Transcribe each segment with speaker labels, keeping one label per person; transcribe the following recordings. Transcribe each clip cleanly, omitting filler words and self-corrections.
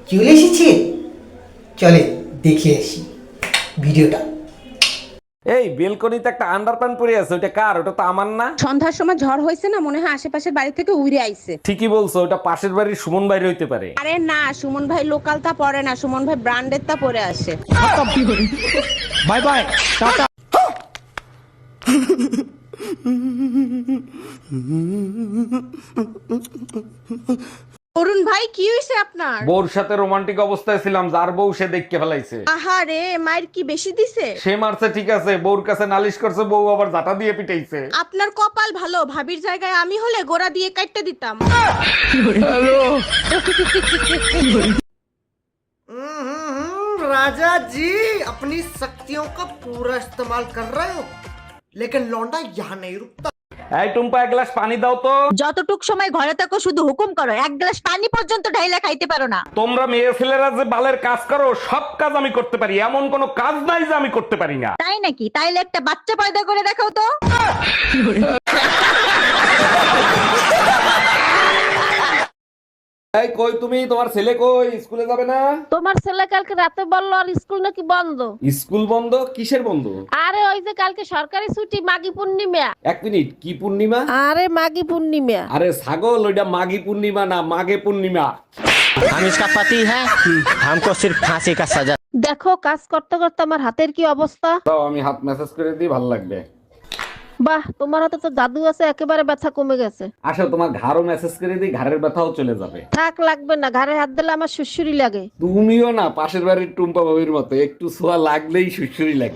Speaker 1: চলে এসেছে, চলে দেখে আসি ভিডিওটা।
Speaker 2: এই বেলকনিতে একটা আন্ডারপ্যান্ট পরে আছে, ওটা কার? ওটা তো আমার না।
Speaker 3: সন্ধ্যার সময় ঝড় হয়েছে না, মনে হয় আশেপাশের বাড়ি থেকে উড়ে আইছে।
Speaker 2: ঠিকই বলছো, ওটা পাশের বাড়ির সুমন বাইরে হইতে পারে।
Speaker 3: আরে না, সুমন ভাই লোকাল তা পরে না, সুমন ভাই ব্র্যান্ডের তা পরে আসে।
Speaker 2: Bye bye, tata.
Speaker 3: অরুণ ভাই কি হয়েছে আপনার?
Speaker 2: বউর সাথে রোমান্টিক অবস্থায় ছিলাম, যার বউ সে দেখকে ফেলাইছে।
Speaker 3: আহারে, মায়ের কি বেশি দিছে?
Speaker 2: সে মারছে ঠিক আছে, বউর কাছে নালিশ করছে, বউ আবার জাটা দিয়ে পিটাইছে।
Speaker 3: আপনার কপাল ভালো, ভাবির জায়গায় আমি হলে গোড়া দিয়ে কাটতে দিতাম।
Speaker 1: राजा जी अपनी शक्तियों का पूरा इस्तेमाल कर रहे हो, लेकिन लौंडा यहाँ नहीं रुकता।
Speaker 2: এই টুম্পা, এক গ্লাস পানি দাও তো।
Speaker 4: যতটুক সময় ঘরে থাকো শুধু হুকুম করো, এক গ্লাস পানি পর্যন্ত ঢাইলা খাইতে পারো না।
Speaker 2: তোমরা মেয়ে ছেলেরা যে বালের কাজ করো, সব কাজ আমি করতে পারি, এমন কোনো কাজ নাই যে আমি করতে পারি না।
Speaker 4: তাই নাকি? তাইলে একটা বাচ্চা পয়দা করে দেখাও তো।
Speaker 2: এই কই তুমি? তোমার ছেলে কই? স্কুলে যাবে না?
Speaker 5: তোমার ছেলে কালকে রাতে বললো আর স্কুল নাকি বন্ধ।
Speaker 2: স্কুল বন্ধ? কিসের বন্ধ?
Speaker 5: আরে ওই যে কালকে সরকারি ছুটি, মাঘী পূর্ণিমা।
Speaker 2: এক মিনিট, কি পূর্ণিমা?
Speaker 5: আরে মাঘী পূর্ণিমা।
Speaker 2: আরে ছাগল, ওইটা মাঘী পূর্ণিমা না, মাঘে পূর্ণিমা।
Speaker 6: हम इसका पति है, हमको सिर्फ फांसी का सजा।
Speaker 5: দেখো কাজ করতে করতে আমার হাতের কি অবস্থা।
Speaker 2: দাও, আমি হাত মেসেজ করে দিই, ভালো লাগবে।
Speaker 5: বাহ, তোমার হাতে তো জাদু আছে, একেবারে ব্যথা কমে গেছে।
Speaker 2: আসো, তোমার ঘাড়ও মেসেজ করে দিই, ঘাড়ের ব্যথাও চলে যাবে।
Speaker 5: থাক, লাগবে না, ঘাড়ে হাত দিলে আমার সুসুরি লাগে।
Speaker 2: তুমিও না পাশের বাড়ির টুম্পা ভাবির মতো, একটু ছোঁয়া লাগলেই সুসুরি লাগে।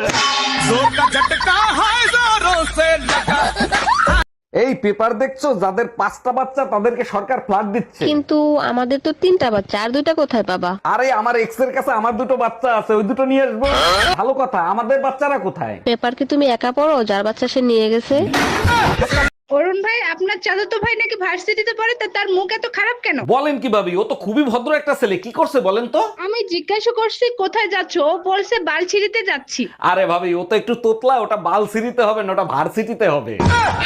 Speaker 2: এই পেপার দেখছো, যাদের 5টা বাচ্চা তাদেরকে সরকার ফ্ল্যাট দিচ্ছে।
Speaker 5: কিন্তু আমাদের তো 3টা বাচ্চা, আর 2টা কোথায় পাবা?
Speaker 2: আরে আমার এক্স এর কাছে আমার 2টো বাচ্চা আছে, ওই 2টো নিয়ে আসবো। ভালো কথা, আমাদের বাচ্চারা কোথায়?
Speaker 5: পেপার কি তুমি একা পড়ো? যার বাচ্চা সে নিয়ে গেছে।
Speaker 3: অরুণ ভাই, আপনার চাচাতো ভাই নাকি ভার্সিটিতে পড়ে, তা তার মুখ এত খারাপ কেন?
Speaker 2: বলেন কি ভাবি? ও তো খুবই ভদ্র একটা ছেলে, কি করছে বলেন তো?
Speaker 3: আমি জিজ্ঞাসা করছি কোথায় যাচ্ছ, ও বলছে বালছিড়িতে যাচ্ছি।
Speaker 2: আরে ভাবি, ও তো একটু তোতলা, ওটা বালসিটিতে হবে না, ওটা ভার্সিটিতে হবে।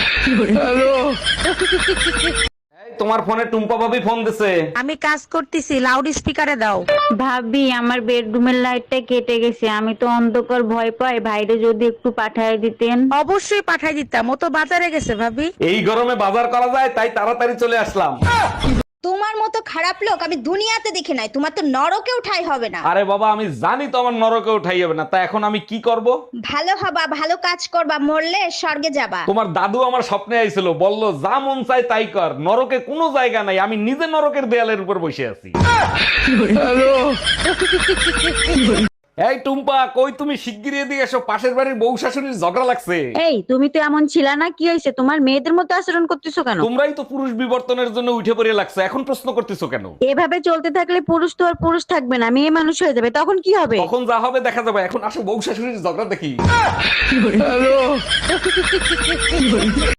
Speaker 2: এই, তোমার ফোনে টুম্পা ভাবি ফোন দিছে।
Speaker 4: আমি কাজ করতেছি, লাউড স্পিকারে দাও।
Speaker 7: ভাবি, আমার বেডরুমের লাইটটা কেটে গেছে, আমি তো অন্ধকার ভয় পাই, ভাইরে যদি একটু পাঠায় দিতেন।
Speaker 4: অবশ্যই পাঠাই দিতাম, ও তো বাজারে গেছে ভাবি।
Speaker 2: এই গরমে বাজার করা যায়, তাই তাড়াতাড়ি চলে আসলাম।
Speaker 8: তোমার মতো খারাপ লোক আমি দুনিয়াতে দেখি নাই, তোমার তো নরকেও ঠাঁই হবে না।
Speaker 2: আরে বাবা, আমি জানি তো আমার নরকে উঠাই যাবে না, তা এখন আমি কি করব?
Speaker 8: ভালো হবা, ভালো কাজ করবা, মরলে স্বর্গে যাবা।
Speaker 2: তোমার দাদু আমার স্বপ্নে আইছিল, বলল যা মন চাই তাই কর, নরকে কোনো জায়গা নাই, আমি নিজে নরকের দেয়ালের উপর বসে আছি। এই টুম্পা, কই তুমি? শিগগিরই এদিকে এসো, পাশের বাড়ির বউ শাশুড়ির ঝগড়া লাগছে।
Speaker 7: এই, তুমি তো এমন ছিলা না, কি হয়েছে? তোমার মেয়েদের মতো আচরণ করতেছো কেন?
Speaker 2: তোমরাই তো পুরুষ বিবর্তনের জন্য উঠে পড়ে লাগছে, এখন প্রশ্ন করতেছো কেন?
Speaker 7: এভাবে চলতে থাকলে পুরুষ তো আর পুরুষ থাকবে না, মেয়ে মানুষ হয়ে যাবে, তখন কি হবে?
Speaker 2: তখন যা হবে দেখা যাবে, এখন আসো বউ শাশুড়ির ঝগড়া দেখি।